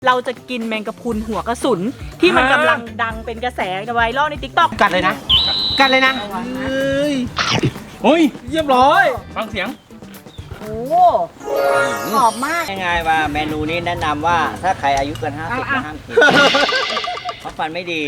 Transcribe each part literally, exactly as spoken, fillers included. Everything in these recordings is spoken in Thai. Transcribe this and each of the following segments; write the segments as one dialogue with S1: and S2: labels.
S1: เราจะกินแมงกะพรุนหัวกระสุนที่มันกำลังดังเป็นกระแสไวรัลใน ติ๊กต็อก
S2: กัดเลยนะกัดเลยนะเฮ้ยเฮ้ยเรียบร้อยฟังเสียง
S1: โอ้หอมมาก
S3: ง่ายๆว่าเมนูนี้แนะนำว่าถ้าใครอายุเกินห้าสิบห้ามกินเพราะฟันไม่ดี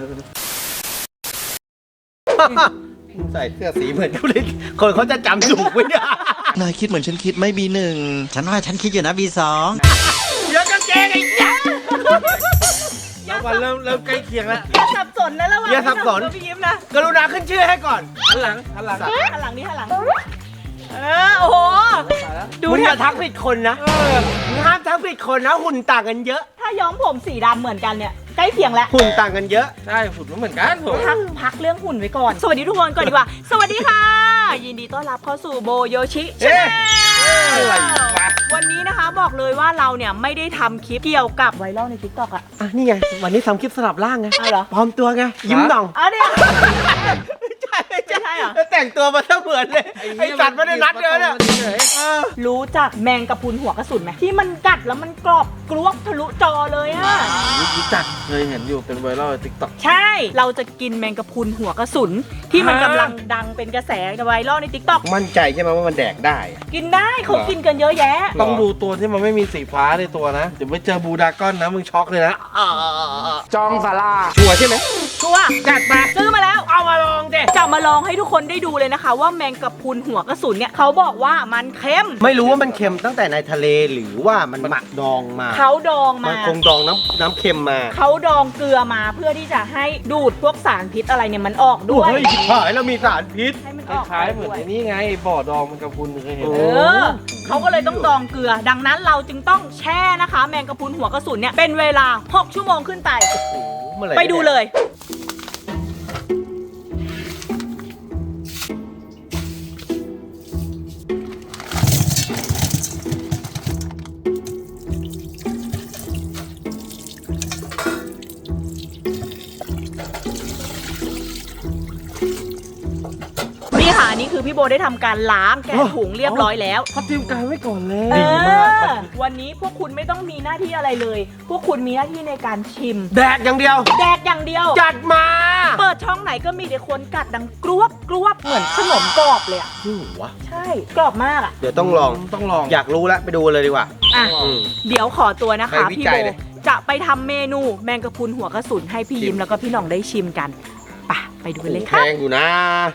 S2: ใส่เสื้อสีเหมือนเขาเลยคนเขาจะจำถูกไหมเนี่ย
S4: นายคิดเหมือนฉันคิดไหม่บีหนึ่งฉันว่าฉันคิดอยู่นะบีสอง
S2: เดี๋ยวกางเกงไอ้ยักษ์แล้ววันเริ่มเริ่มใกล้เคียงแล้ว
S1: อย่าสับสนนะระหว่าง
S2: อย่าสับสน
S1: พี่ยิ้มนะ
S2: กรุณาขึ้นชื่อให้ก่อนหันหลังหันหลัง
S1: หันหลังนี่หันหลังเออโอ้โหดู
S2: มึง
S1: เนี่
S2: อย ย่าทักผิดคนนะมึงห้ามทักผิดคนนะหุ่นต่างกันเยอะ
S1: ถ้าย้อมผมสีดำเหมือนกันเนี่ยใกล้เคียงแล้ว
S2: หุ่นต่างกันเยอะ
S5: ใช่ฝุ่นมันเหมือนกันผม
S1: พักพักเรื่องหุ่นไว้ก่อนสวัสดีทุกคนก่อนดีกว่าสวัสดีค่ะยินดีต้อนรับเข้าสู่โบโยชิชาแนลวันนี้นะคะบอกเลยว่าเราเนี่ยไม่ได้ทำคลิปเกี่ยวกับไวรัลใน ติ๊กต็อก อะ
S2: อ่ะนี่ไงวันนี้ทำคลิปสลับร่างไง
S1: อ้าวเหรอ
S2: ปลอมตัวไงยิ้มหน่อง
S1: อ๋อเนี่ย
S2: ใช่
S1: ไม่ใช่เหรอ
S2: แล้วแต่งตัวมาเสมือนเลยไอ้สัตว์ไม่ได้นัดเลยเนี่ยเออ
S1: รู้จักแมงกะพรุนหัวกระสุนไหมที่มันกัดแล้วมันกรอบกรวบทะลุจอเลยอะ
S5: รู้จักเคยเห็นอยู่เป็นไวรัลในติ๊กต็อก
S1: ใช่ เราจะกินแมงกะพรุนหัวกระสุนที่มันกำลังดังเป็นกระแสไวรัลใน ติ๊กต็อก
S2: มั่นใจใช่ไหมว่ามันแดกได้
S1: กินได้เขากินกันเยอะแยะ
S5: ต้องดูตัวที่มันไม่มีสีฟ้าในตัวนะเดี๋ยวไปเจอบูดากอนนะมึงช็อกเลยนะ
S2: จองสาราชัวร์ใช่ไหม
S1: ชัวร์
S2: จัดมา
S1: ซื้อมาแล้ว
S2: เอามาลองเด็
S1: จะมาลองให้ทุกคนได้ดูเลยนะคะ ว่าแมงกะพรุนหัวกระสุนเนี่ยเขาบอกว่ามันเค็ม
S2: ไม่รู้ว่ามันเค็มตั้งแต่ในทะเลหรือว่ามันหมักดองมา
S1: เขาดอง
S2: มั
S1: มา
S2: นคงดองน้ำน้ำเค็มมา
S1: เขาดองเกลือมาเพื่อที่จะให้ดูดพวกสารพิษอะไรเนี่ยมันออกด้วย
S2: เฮ้ยชิบหายแล้วมีสารพิษ
S1: ให้มัน
S5: ค
S1: ออก
S5: ล้ายๆเหมือน
S1: ด้วย
S5: ไอ้นี่ไงบ่อดองมันกับคุณเคยเห็น
S2: โอ้
S1: เออเขาก็เลยต้องดองเกลือ ดังนั้นเราจึงต้องแช่นะคะ แมงกะพรุนหัวกระสุนเนี่ยเป็นเวลาหกชั่วโมงขึ้นไป
S2: เมื่อหร่
S1: ไปดูเลย นี่ค่ะอันนี่คือพี่โบได้ทำการล้างแกะถุงเรียบร้อยแล้ว
S5: เขาเตรียมการไว้ก่อนแล้ว
S1: เอ
S2: ดีมาก
S1: อวันนี้พวกคุณไม่ต้องมีหน้าที่อะไรเลย พวกคุณมีหน้าที่ในการชิม
S2: แดกอย่างเดียว
S1: แดกอย่างเดียว
S2: จัดมา
S1: เปิดช่องไหนก็มีแต่คนกัดดังกรวบกรวบเหมือนขนมกรอบเลยอ่ะ
S2: อืมวะ
S1: ใช่กรอบมากอ่ะ
S2: เดี๋ยวต้องลอง
S5: ต้องลอง
S2: อยากรู้แล้วไปดูเลยดีกว่า
S1: อ่ะ
S2: อืม
S1: เดี๋ยวขอตัวนะคะ
S2: ไปวิ
S1: พี่
S2: จั
S1: โบ
S2: ยเลย
S1: จะไปทำเมนูแมงกะพรุนหัวกระสุนให้พี่
S2: ชิม
S1: ยิมแล้วก็พี่หน่องได้ชิมกันไปไปดูกันเลย
S2: แพ
S1: ค่ะ
S2: งอยู่นะ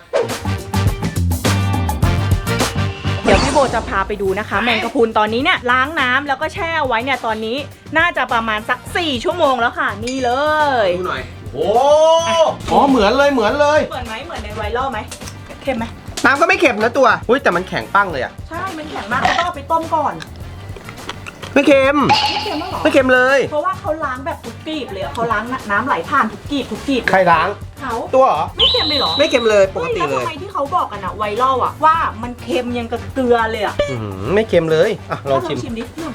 S1: เดี๋ยวพี่โบจะพาไปดูนะคะ แมงกะพรุนตอนนี้เนี่ยล้างน้ำแล้วก็แช่ไว้เนี่ยตอนนี้น่าจะประมาณสักสี่ชั่วโมงแล้วค่ะนี่เลย
S2: ดูหน่อย โอ้อ๋อเหมือนเลยเหมือนเลย
S1: เหมือนไหมเหมือนในไวรัลไหมเค็มไหม
S2: น้ำก็ไม่เค็มนะตัวอุ้ยแต่มันแข็งปั้งเลยอะ
S1: ใช่มันแข็งมากเขาต้องเอาไปต้มก่อน
S2: ไม่เค็ม
S1: ไม่เค็มมากหรอ
S2: ไม่เค็มเลย
S1: เพราะว่าเขาล้างแบบทุกกลีบเลยอะเขาล้างน้ำไหลผ่านทุกกลีบทุกกลีบ
S2: ใครล้าง
S1: เขา
S2: ตัวเหรอ
S1: ไม่เค็มเลยเหรอ
S2: ไม่เค็มเลยปกติ
S1: ฮ้
S2: เล
S1: แล้ว
S2: ย
S1: ทำไมที่เขาบอกกันอะไวรัลอะว่ามันเค็มยังกับเกลือเลยอะ
S2: อื้อหือไม่เค็มเลยอ่ะลองชิม
S1: ชิมดิหน่อย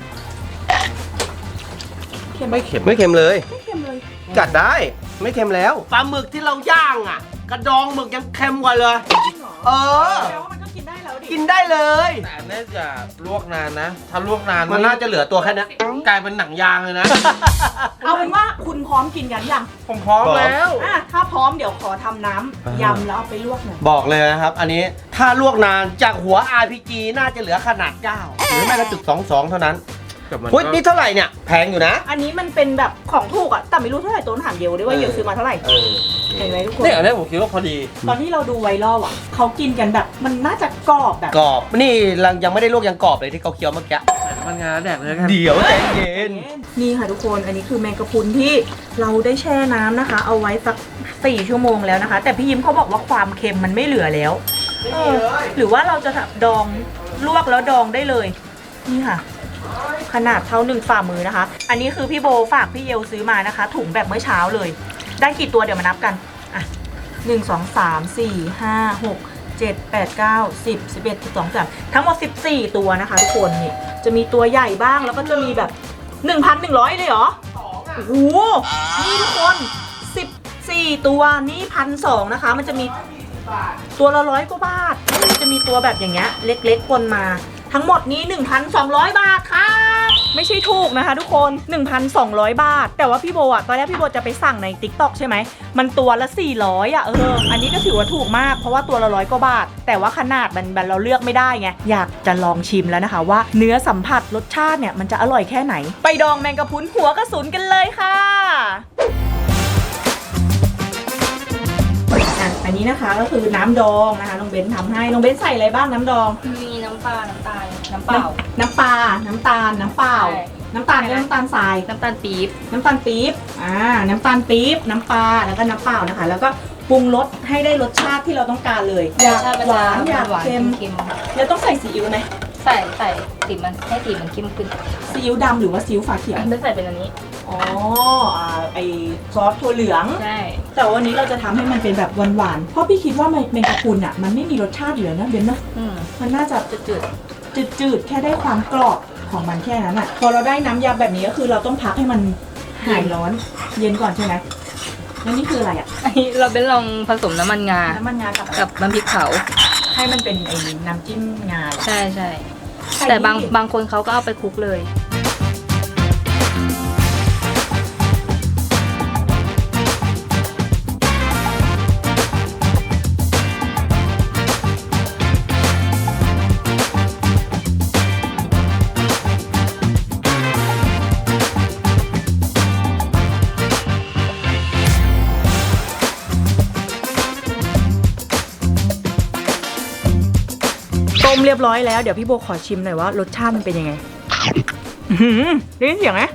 S1: เค็มไหม
S5: ไม่เข็ม
S2: ไม่เค็มเลย
S1: ไม่เค็มเลย
S2: จัดได้ไม่เค็มแล้วปลาหมึกที่เราย่างอ่ะ กระดองหมึกยังเค็มกว่าเลย
S1: จริงเหรอ
S2: เออ
S1: แปลว่ามันก็กินได้แล้วดิ
S2: กินได้เลย
S5: แต่อันน่าจะลวกนานนะ ถ้าลวกนาน
S2: มันน่าจะเหลือตัวแค่นี้
S5: กลายเป็นหนังยางเลยนะ
S1: เอาเป็นว่าคุณพร้อมกินกันยัง
S5: ผมพร้อมแล้ว
S1: อ่ะถ้าพร้อมเดี๋ยวขอทำน้ำยำแล้วเอาไปลวกหน่อย
S2: บอกเลยนะครับ อันนี้ถ้าลวกนานจากหัว อาร์ พี จี น่าจะเหลือขนาดเก้าหรือไม่ก็จุดสองสองเท่านั้น
S5: กับมัน
S2: พุ้ยนี่เท่าไหร่เนี่ยแพงอยู่นะ
S1: อันนี้มันเป็นแบบของถูกอะแต่ไม่รู้เท่าไหร่ตัวถามเดียวด้วยว่าเดียวซื้อมาเท่าไหร่
S2: เออ
S1: เห็นไหมทุกคน
S5: เนี่ยอันนี้ผมคิดว่าพอดี
S1: ตอนที่เราดูไวรัลอ่ะเขากินกันแบบมันน่าจะกรอบแบบ
S2: กรอบนี่ยังยังไม่ได้ลวกยังกรอบเลยที่เขาเคี้ยวเมื่อกี้
S5: มันงานแดกเลยกัน
S2: เดี๋ยวใจเย็น
S1: นี่ค่ะทุกคนอันนี้คือแมงกะพรุนที่เราได้แช่น้ำนะคะ เอาไว้สักสี่ชั่วโมงแล้วนะคะ แต่พี่ยิ้มเขาบอกว่าความเค็มมันไม่เหลือแล้วเออหรือว่าเราจะดองลวกแล้วดองได้เลยนี่ค่ะ ขนาดเท่าหนึ่งฝ่ามือนะคะ อันนี้คือพี่โบฝากพี่เยลซื้อมานะคะ ถุงแบบเมื่อเช้าเลย ได้กี่ตัวเดี๋ยวมานับกันอ่ะหนึ่งสองสามสี่ห้าหกเจ็ดแปดเก้าสิบสิบเอ็ดสิบสองสิบสามทั้งหมดสิบสี่ตัวนะคะทุกคนนี่จะมีตัวใหญ่บ้างแล้วก็จะมีแบบหนึ่งพันหนึ่งร้อยเลยเหรอโอ้โหนี่ทุกคนสิบสี่ตัวนี่พันสองนะคะ มันจะมีตัวละร้อยกว่าบาทจะมีตัวแบบอย่างเงี้ยเล็กๆปนมาทั้งหมดนี้ หนึ่งพันสองร้อย บาทค่ะไม่ใช่ถูกนะคะทุกคน หนึ่งพันสองร้อย บาทแต่ว่าพี่โบอะตอนแรกพี่โบจะไปสั่งใน ติ๊กต็อก ใช่ไหมมันตัวละสี่ร้อยอ่ะเอออันนี้ก็ถือว่าถูกมากเพราะว่าตัวละร้อยกว่าบาทแต่ว่าขนาดมันมันเราเลือกไม่ได้ไงอยากจะลองชิมแล้วนะคะว่าเนื้อสัมผัสรสชาติเนี่ยมันจะอร่อยแค่ไหนไปดองแมงกะพรุนหัวกระสุนกันเลยค่ะอ่ะอันนี้นะคะก็คือน้ำดองนะคะน้องเบนทำให้น้องเบนใส่อะไรบ้างน้ำดอง
S6: มีน้ำปลา น้ำตาล น้ำเปล่า
S1: น้ำปลา น้ำตาล น้ำเปล่า
S6: ใช่
S1: น้ำตาลก็น้ำตาลทราย
S6: น้ำตาลปี๊บ
S1: น้ำตาลปี๊บ อ่า น้ำตาลปี๊บ น้ำปลา แล้วก็น้ำเปล่านะคะ แล้วก็ปรุงรสให้ได้รสชาติที่เราต้องการเลย อยาก
S6: รสชติมัน
S1: ห
S6: จะ
S1: วานอยาก
S6: หวาน
S1: เค็ม
S6: เค็ม
S1: แล้วต้องใส่ซีอิ๊วไหม
S6: ใส่ใส่สีมันให้สีมันเข้มขึ้น
S1: ซีอิ๊วดำหรือว่าซีอิ๊วฝาเขียว
S6: ไม่ใส่เป็นอันนี้
S1: อ๋ออ่าไอซอสถั่วเหลือง
S6: ใช่
S1: แต่วันนี้เราจะทำให้มันเป็นแบบหวานๆ เพราะพี่คิดว่าแมงกะพรุนอ่ะมันไม่มีรสชาติอยู่แล้วนะเบนเนาะ
S6: อืม
S1: มันน่าจะจืดๆ จืดๆ แค่ได้ความกรอบของมันแค่นั้นอ่ะ พอเราได้น้ำยำแบบนี้ก็คือเราต้องพักให้มันหายร้อน เย็นก่อนใช่ไหมแล้วนี่คืออะไรอ่ะ
S6: อันนี้เราเป็นลองผสมน้ำมันงา
S1: น้ำมันงากับ
S6: กับน้ำพริกเผา
S1: ให้มันเป็นไอ้น้ำจิ้มงาเหรอ
S6: ใช่ใช่
S1: ใส่
S6: แต่บาง
S1: นี่
S6: บางคนเขาก็เอาไปคลุกเลย
S1: ต้มเรียบร้อยแล้วเดี๋ยวพี่โบขอชิมหน่อยว่ารสชาติมันเป็นยังไงอื้อหือได้ยินเสียงไหม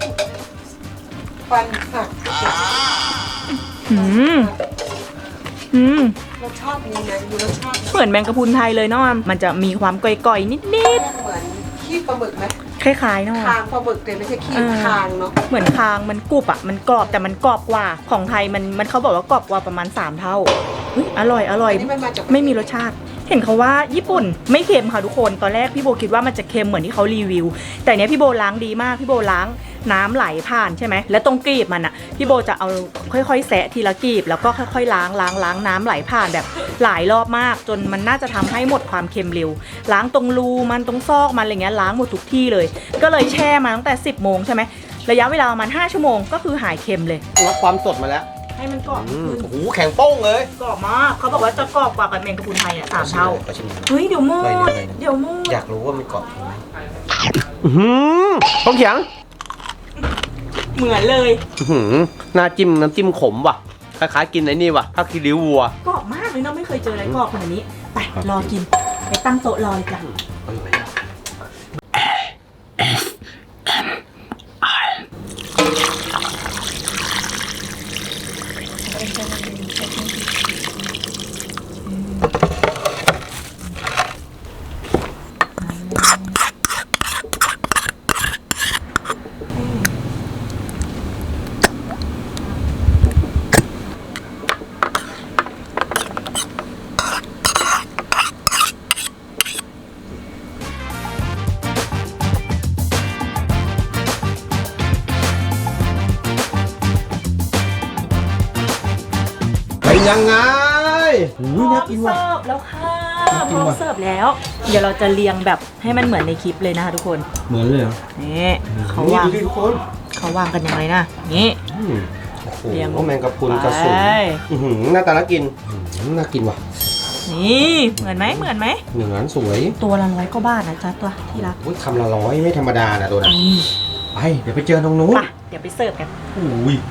S7: ฟันหัก
S1: อืมอืม
S7: รสชาติเป็นยังไงมีรสชาติ
S1: เหมือนแมงกะพรุนไทยเลยเนาะมันจะมีความก่อยๆนิด
S7: เหมือนขี้ปลาหมึกไหม
S1: ๆคล้ายๆเนาะ
S7: คางปลาหมึกแต่ไม่ใช่ขี้
S1: เออ
S7: คางเนาะ
S1: เหมือนคางมันกรุบอ่ะมันกรอบแต่มันกรอบกว่าของไทยมันมันเขาบอกว่ากรอบกว่าประมาณสามเท่าเฮ้ยอร่อยอร่อย
S7: อันนี้มันมาจาก
S1: ไม่มีรสชาติ เห็นเขาว่าญี่ปุ่นไม่เค็มค่ะทุกคนตอนแรกพี่โบคิดว่ามันจะเค็มเหมือนที่เขารีวิว แต่เนี้ยพี่โบล้างดีมากพี่โบล้างน้ำไหลผ่านใช่ไหมแล้วตรงกรีบมันอ่ะพี่โบจะเอาค่อยๆแซะทีละกรีบแล้วก็ค่อยๆล้างล้างล้างน้ำไหลผ่านแบบหลายรอบมาก จนมันน่าจะทำให้หมดความเค็มเร็ว ล้างตรงรูมันตรงซอกมันอะไรเงี้ยล้างหมดทุกที่เลย ก็เลยแช่มาตั้งแต่สิบโมงใช่ไหมระยะเวลาประมาณห้าชั่วโมงก็คือหายเค็มเลย
S2: รับความสดมาแล้ว
S1: ให้มันกรอบ
S2: อืม
S1: ขึ้น
S2: โอ้โหแข็งโป้งเลย
S1: กรอบมากเขาบอกว่าจะกรอบกว่ากับแมงกะพรุนไทยอ่ะสามเท่า
S2: ขอชิมหน่อย
S1: เฮ้ยเดี๋ยวมู
S2: หน่อยหนึ่
S1: ด
S2: งหน่อยหนึ่ง
S1: เดี๋ยวมูด
S2: อยากรู้ว่ามันกรอบจริงไหมอื้อหือต้องเขียง
S1: เหมือนเลย
S2: อื้อหือหน้าจิ้มน้ำจิ้มขมว่ะคล้ายๆกินไอ้นี่ว่ะผ้าคีริ้ววัว
S1: กรอบมากเลยเนาะไม่เคยเจออะไรกรอบขนาดนี้ไปรอกินไปตั้งโต๊ะรอเลยจ้ะ
S2: เป็นยังไง
S1: พร้อมเสิร์ฟแล้วค่ะพร้อมเสิร์ฟแล้ว เดี๋ยวเราจะเรียงแบบให้มันเหมือนในคลิปเลยนะคะทุกคน
S2: เหมือนเลยเหรอ
S1: นี่เขาวาง
S2: ดูดิทุกคน
S1: เขาวางกันยังไงนะนี่
S2: อืมโอ้โห
S1: เรียง
S2: แมงกะพรุนกระสุน
S1: ไป
S2: อื้อหือหน้าตาน่ากินอื้อหือน่ากินว่ะ
S1: นี่เหมือนไหมเหมือนไหม
S2: เหนือนสวย
S1: ตัวละร้อยกว่าบาทนะจ๊ะตัวที่รัก
S2: โอ้ยคำละร้อยไม่ธรรมดานะตัวนั้นไปเดี๋ยวไปเจอตรงนู้น
S1: ไปเดี๋ยวไปเสิร์ฟกัน
S2: อุ้ย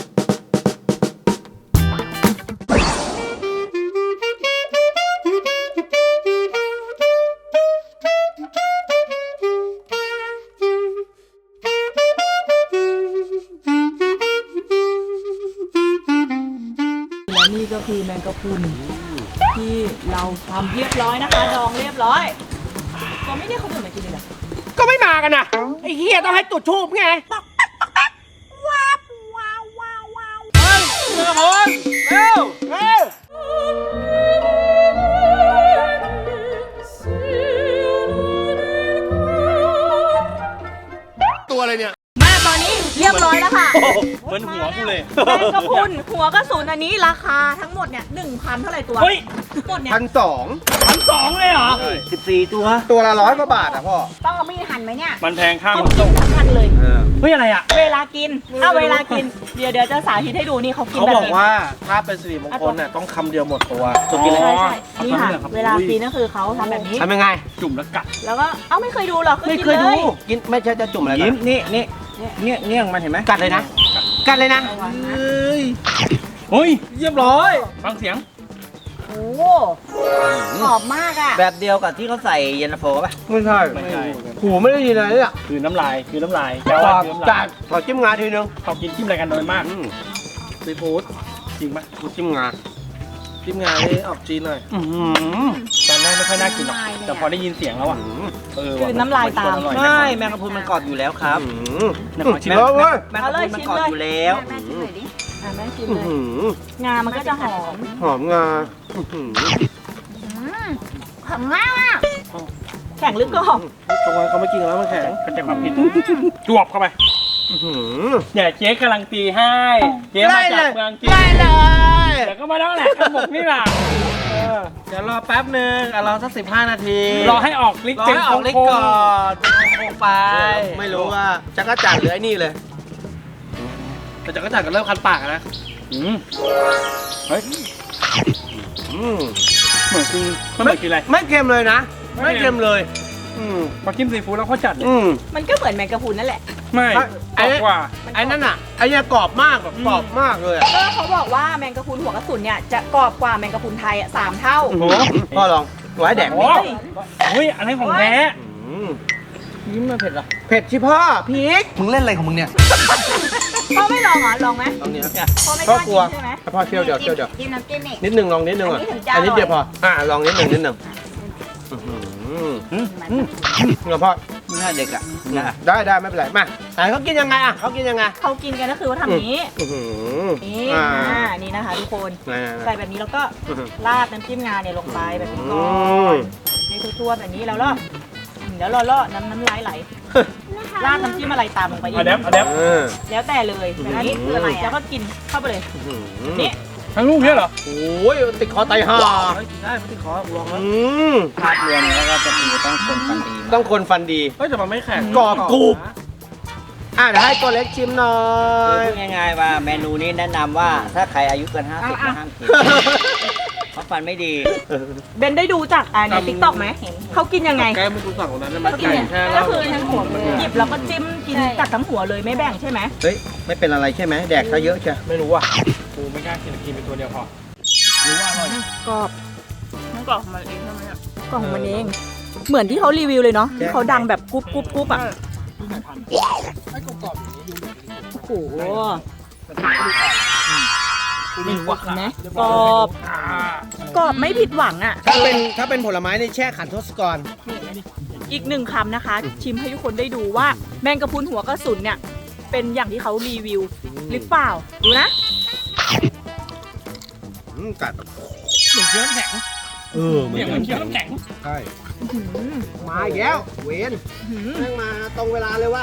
S1: และนี่ก็คือแมงกะพรุนที่เราทำเรียบร้อยนะคะดองเรียบร้อยก็ไม่ได้เขาดื่มมากินเลยเหรอ
S2: ก็ไม่มากันนะไอ้เฮียต้องให้จุดทูบไงเฮ้ยเรือพลเร็วเร็วตัวอะไรเนี่ย
S1: มาตอนนี้เรียบร้อยแล้วค่ะ
S2: โอ้โห
S8: เหมือนหัวกูเลย
S1: แมงกะพรุนหัวกระสุนอันนี้ราคาทั้งหมดเนี่ยหนึ่งพันเท่าไหร่ตัว
S8: เฮ้ย
S1: ทั้งหมดเนี่ย
S2: พันสอง
S8: พันสองเลยเหรอ
S3: สิบสี่ตัว
S2: ตัวละร้อยกว่าบาทอ่ะพ่อ
S1: ต้องเอามีดหั่นไหมเนี่ย
S8: มันแพงข้าม
S1: ต้องกินทั้งพันเลย
S8: เฮ้ยอะไรอ่ะ
S1: เวลากินเอาเวลากินเดี๋ยวเดี๋ยวจะสาธิตให้ดูนี่เขากิน
S5: เขา
S1: แบบ
S5: บอก
S1: นี้
S5: ว่าถ้าเป็นสิริมงคลน่ะต้องคำเดียวหมดตัว
S8: ตัวกินอะไร
S1: ใช่ใช่
S8: เอา
S1: นี่ค่ะ
S8: ทำเรื่องครับ
S1: เวลากินก็คือเขาทำแบบนี้
S2: ทำยังไง
S8: จุ่มแล้วกัด
S1: แล้วก็เอ้าไม่เคยดูหรอก
S2: ไม่
S1: กิน
S2: เคยดู
S1: เลย
S2: กินไม่ใช่จะจุ่มอะไร
S3: ยิ้
S2: กั
S3: ม
S2: น
S3: นี่นี่เนี่ยเนี่ยมันเห็นไหม
S2: กัดเลยนะ กัดเลยนะ
S5: เฮ้ย
S8: เฮ้ย
S5: เรียบร้อย
S8: ฟังเสียง
S1: โอ้โหหอมมากอ่ะ
S3: แบบเดียวกับที่เขาใส่เย็นตาโฟป่ะ
S2: ไม่ใช่
S8: ไม่ใช่
S2: หูไม่ได้ยินอะไรเนี่ย
S8: คือน้ำลายคือน้ำลาย
S2: กร
S8: ว่า
S2: อบ
S8: คือน้ำ
S2: จั
S8: ลาย
S2: ดขอจิ้มงาทีนึง
S8: เขากินจิ้มอะไรกันโดยมาก
S2: อืม
S5: ซีฟู้ด
S8: จริงปะ
S2: จิ้มงา
S5: จิ้มงาให้ออกจีนหน่อย
S2: อื้อหือ
S8: ตอนแรกไม่ค่อยน่ากินหรอกแต่พอได้ยินเสียงแล้วอ่ะเออว่ะ
S1: คือน้ำลายตาม
S8: นอร่อย
S3: ไม่แมงกะพรุนมันกรอบอยู่แล้วครับ
S2: อื้อหือ
S8: นะขอชิม
S2: แล้เว้ย
S3: แมงกะพรุนมันกรอบอยู่แล้ว
S1: แม่ชิมหน่อยดิอ่ะแม่ชิม
S2: อื้อ
S1: เลย
S2: หือง
S1: ามันก็จะหอม
S2: หอมงาอื้อหือ
S1: หอมมากอ่ะแข็งหรือกรอบ
S5: ตรงนั้นเขาไม่กินแล้วมันแข็ง
S8: ก็จะความผิดจวบเข้าไป
S2: อื้อหือ
S8: เนี่ยเจ๊กำลังตีให้เจ๊มาจากเมืองจีน
S2: ได้เลย
S8: เดี๋ยวก็มาแล้วแหละกระบอกนี่แหละ
S5: เดี๋ยวรอแป๊บนึงอ่ะรอสักสิบห้านาที
S8: รอให้ออกลิก
S5: รอ
S8: เป็น
S5: ให้ออกฤท
S8: โค้
S5: ธิ์
S8: ง
S5: ก่อนเป็นโค้งๆไป
S2: ไม่รู้ว่าจักรจันทร์หรือไอ้นี่เลย
S5: แต่จักรจันทร์ก็เริ่มคันปากอะนะ
S8: ๆอืมเฮ้ย
S2: อืม
S8: เหมือนกินมันเหมือนกินอะไร
S2: ไม่เค็มเลยนะ
S8: ไม่
S2: ไม่
S8: เค็
S2: เค็
S8: ม
S2: มเลย อืม
S8: มากินซีฟู้ดแล้วเขาจัดเลย
S2: อืม
S1: มันก็เหมือนแมงกะพรุนนั่นแหละ
S8: ไม่
S2: ไอ้
S8: กรอบกว่า
S2: ไอ้นั่นอ่ะไอ้เนี่ยกรอบมากแบบกรอบมากเลยอะ
S1: ก็เขาบอกว่าแมงกะพรุนหัวกระสุนเนี่ยจะกรอบกว่าแมงกะพรุนไทยอ่ะสามเท่า
S8: โอ้โห
S2: พ่อลองไว้แดก
S8: โอ้
S2: นี่
S8: โหเฮ้ยอะไรของแท้
S2: อืม
S3: ยิ้มมันเผ็ดเหรอ
S2: เผ็ดชิพ่อพีก
S4: มึงเล่นอะไรของมึงเนี่ย
S1: พ่อไม่ลองเหรอลองไหม
S2: ตรงนี้นะ
S1: พ่อไม่ก
S2: พ่อ
S1: ล้าก
S2: ลัว
S1: กินใช่ไหม
S2: พ่อเที่ยวเดี๋ยวเที่ยวเดี๋ยว
S1: กินน้ำจิ้มอีก
S2: นิดนึงลองนิดนึงอ่ะ
S1: อันนี้ถึงจะ
S2: อันนี้เดียว
S1: อ
S2: พ
S1: ร่
S2: อ
S1: อย
S2: อ่าลองนิดนึงนิดนึงอื้อหือเงาพ่อ
S3: หน้าเด็กอ่ะนะ
S2: ได้ได้ไม่เป็นไรมาไหนเขากินยังไงอ่ะเขากินยังไง
S1: เขากินกันก็คือว่าทำอย่างนี้
S2: อื้อหือ
S1: นี่
S2: อ่า
S1: อ่านี่นะคะทุกคน
S2: ไหน
S1: ใส่แบบนี้แล้วก็
S2: อื้อหือ
S1: ราดน้ำจิ้มงาเนี่ยลงไปแบบนี้ก่อ
S2: อืม
S1: นให้ทั่วๆแบบนี้แล้วล่อเดี๋ยวล่อๆน้ำน้ำลายไหลราดน้ำจิ้มอะไรตามลงไปอี
S8: เอา
S1: ก
S8: แดบเอาแดบ
S2: เออ
S1: แล้วแต่เลยแบบนี้
S2: อืม
S1: แล้วก็กินเข้าไปเลย
S2: อื้อหือ
S1: นี่
S8: ทั้งลูกเนี่ยเหรอ
S2: โอ้ยติดคอไตห่า
S5: เฮ้ยกินได้ไม่ติดคอลองแล้ว
S2: อืม
S3: ภาพรวมแล้วก็จะคือต้องคนฟันดี
S2: ต้องคนฟันดี
S5: เฮ้ยแต่มันไม่แข็ง
S2: กรอบกรุบ อ่ะเดี๋ยวให้ตัวเล็กชิมหน่อ
S3: คือย พูดง่ายๆว่าเมนูนี้แนะนำว่าถ้าใครอายุเกินห้าสิบก็ห้ามกินเพราะฟันไม่ดี
S1: เบนได้ดูจากอ่าในติ๊กต็อกไหมเขากินยังไง
S5: แก้มเป็นตัวสั่งของนั้นได้ไหม
S1: ก็กิน
S5: ไก่
S1: เนี่ย
S5: แช่
S1: ก็
S5: แล้ว
S1: คือทั้งหัวหยิบแล้วก็จิ้มกินจากทั้งหัวเลยไม่แบ่งใช่ไหม
S2: เฮ้ย ไม่เป็นอะไรใช่ไหมแดกซะเยอะใช่
S5: ไม่รู้อ่ะ
S8: กูไม่กล้ากินกินเป็นตัวเดียวพอ
S1: กรอบ
S6: มันกรอบของมันเองใช่ไหมอะ
S1: กล่องมันเอง เหมือนที่เขารีวิวเลยเนาะที่เขาดังแบบกรุ๊บกรุ๊บกรุ๊บอ่ะโอ้โห
S8: ไม่รู้ว่า
S1: เห็นไหมกรอบกรอบไม่ผิดหวังอ่ะ
S2: ถ้าเป็นถ้าเป็นผลไม้ในแช่ขันทศกร
S1: อีกหนึ่งคำนะคะ ชิมให้ทุกคนได้ดูว่าแมงกะพรุนหัวกระสุนเนี่ย เป็นอย่างที่เขารีวิวหรือเปล่า ดูนะ
S2: อืมกัด
S8: เหมือนเคี้ยวน้ำแข็ง
S2: เออเหมื
S8: เนี่
S2: อย น
S8: เหมือนเคี้ยวน้ำแข็ง
S2: ใช่
S1: อื้อหือ
S2: มาอีกแล้ว เวน
S1: อื้อหือ
S2: นั่งมาตรงเวลาเลยว่ะ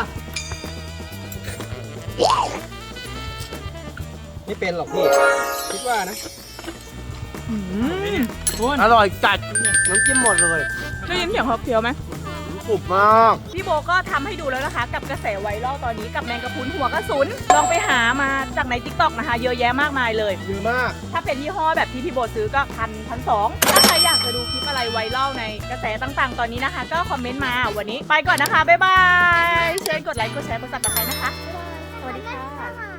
S2: ไม่เป็นหรอกพี่ คิดว่านะ
S1: อื้อหือ
S2: อร่อยจัดน้ำจิ้มหมดเลย
S1: ได้ยินเสียงเขาเคี้ยวไหม
S2: กรุบมาก
S1: พี่โบก็ทำให้ดูแล้วนะคะ กับกระแสไวรัลตอนนี้กับแมงกะพรุนหัวกระสุน ลองไปหามาจากในทิกตอกนะคะ เยอะแยะมากมายเลย
S2: เยอะมาก
S1: ถ้าเป็นยี่ห้อแบบที่พี่โบซื้อก็พันพันสองถ้าใครอยากจะดูคลิปอะไรไวรัลในกระแสต่างๆ ตอนนี้นะคะ ก็คอมเมนต์มาวันนี้ไปก่อนนะคะ บ๊ายบายเชิญกดไลค์กดแชร์กดซับสไครต์นะคะบ๊ายบายสวัสดีค่ะ